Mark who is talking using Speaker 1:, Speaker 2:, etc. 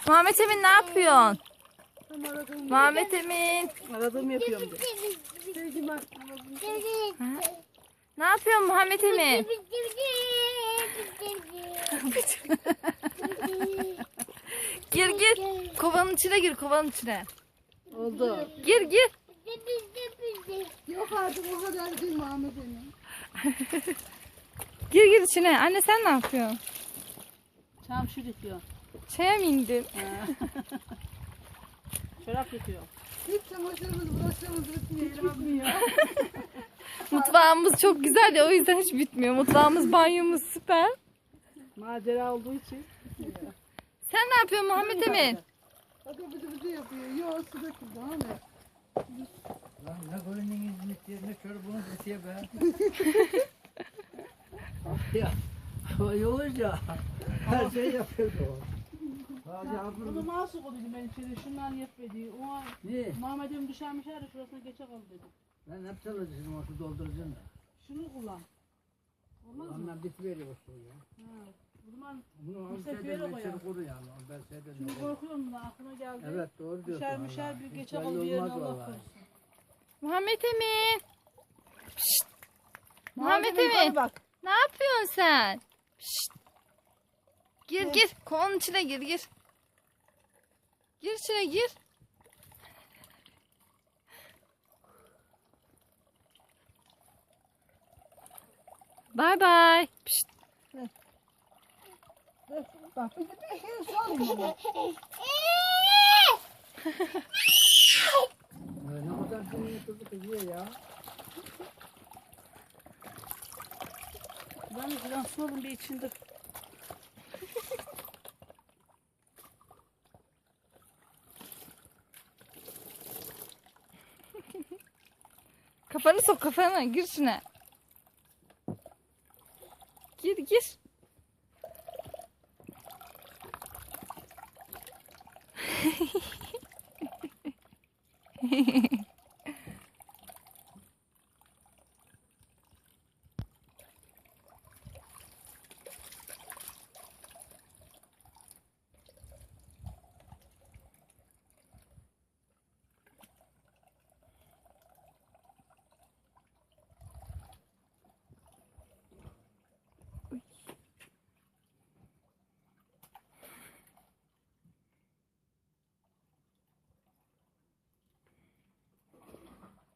Speaker 1: Muhammed Emin ne yapıyorsun? Muhammed Emin.
Speaker 2: Aradığımı yapıyorum de.
Speaker 1: Ha? Ne yapıyorsun Muhammed Emin? Gir gir. Kovanın içine gir, kovanın içine.
Speaker 2: Oldu.
Speaker 1: Gir gir.
Speaker 2: Yok artık o kadar değil Muhammed Emin.
Speaker 1: Gir gir içine. Anne sen ne yapıyorsun?
Speaker 2: Çamşır yıkıyor.
Speaker 1: Çaya mı indin?
Speaker 2: Çorap yıkıyor. Hiç çamaşırımız bulaşığımız bitmiyor.
Speaker 1: Mutfağımız çok güzel ya, o yüzden hiç bitmiyor. Mutfağımız, banyomuz süper.
Speaker 2: Macera olduğu için.
Speaker 1: Sen ne yapıyorsun Muhammed Emin?
Speaker 2: Bakın bıdı yapıyor. Yok su döküldü Ahmet.
Speaker 3: Lan ne koyunun hizmeti ne çorabınız bitiyor be. Ya olunca her şey yapıyordu o. Hadi
Speaker 2: Bunu
Speaker 3: abim.
Speaker 2: nasıl koydum ben içeri? Şundan yetmedi. O
Speaker 3: Ne?
Speaker 2: Muhammed Emin düşermiş her şurasına geçe kaldı dedi.
Speaker 3: Ben hep çalışıyorum orada dolduracaksın da.
Speaker 2: Şunu kullan. Olmaz mı?
Speaker 3: Ondan bitiveriyor o şey ya.
Speaker 2: Ha. O zaman
Speaker 3: Bunu
Speaker 2: Bu sefer
Speaker 3: şeyden
Speaker 2: o ya.
Speaker 3: içeri koru yani. Ben şeyden
Speaker 2: şimdi korkuyorum da aklıma geldi.
Speaker 3: Evet doğru diyorsun.
Speaker 2: Düşer mişer
Speaker 3: vallahi.
Speaker 2: bir
Speaker 3: Hiç
Speaker 2: geçe
Speaker 3: belli
Speaker 2: kaldı bir yerine
Speaker 3: olmaz
Speaker 2: Allah
Speaker 3: vallahi.
Speaker 2: korusun.
Speaker 1: Muhammed Emin. Pişt. Muhammed
Speaker 2: yukarı
Speaker 1: Emin.
Speaker 2: bak.
Speaker 1: Ne yapıyorsun sen? Pişt. Gir gir. Kovanın içine gir gir. Gir içine gir. Bye bye. Pişt.
Speaker 2: Bak bir de şey sorma.
Speaker 3: Ne kadar kıymetli kızıyor ya.
Speaker 2: Ben de biraz su alın bir içinde.
Speaker 1: Kafanı sok, kafanı. Gir içine. Gir gir.